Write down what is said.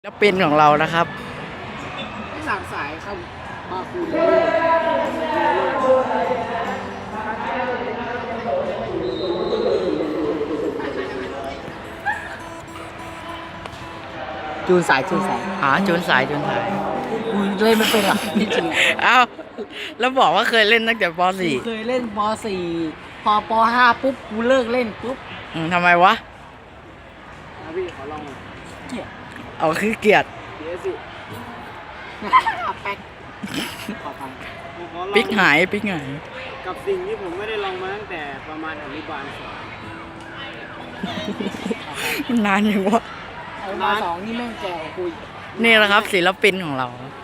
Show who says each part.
Speaker 1: แล้วเป็นของเรานะครับ
Speaker 2: สามสายครับมาคูณจูนสายจูนสาย
Speaker 1: จูนสายจูนสาย
Speaker 2: กูเล่นไม่เป็นหรอกจริง
Speaker 1: เอ้าแล้วบอกว่าเคยเล่นตั้งแต่ป
Speaker 2: ๆกูเคยเล่นป .4 พอป .5 ปุ๊บกูเลิกเล่นปุ๊บ
Speaker 1: .4 ทำไมวะ
Speaker 2: พี่ขอลองหน่อยเกียร์
Speaker 1: เอาคือเกียรติ
Speaker 2: เกียร์สิแป๊กขอฟัง
Speaker 1: ปิ๊กหายปิ๊กหาย
Speaker 3: กับสิ่งที่ผมไม่ได้ลองมาตั้งแต่ประมาณอนุบาล2
Speaker 1: นานอยู่วะ
Speaker 2: เอามา2นี่แม่งแก่กว่ากูอีก
Speaker 1: นี่แหละครับศิลปินของเราครับ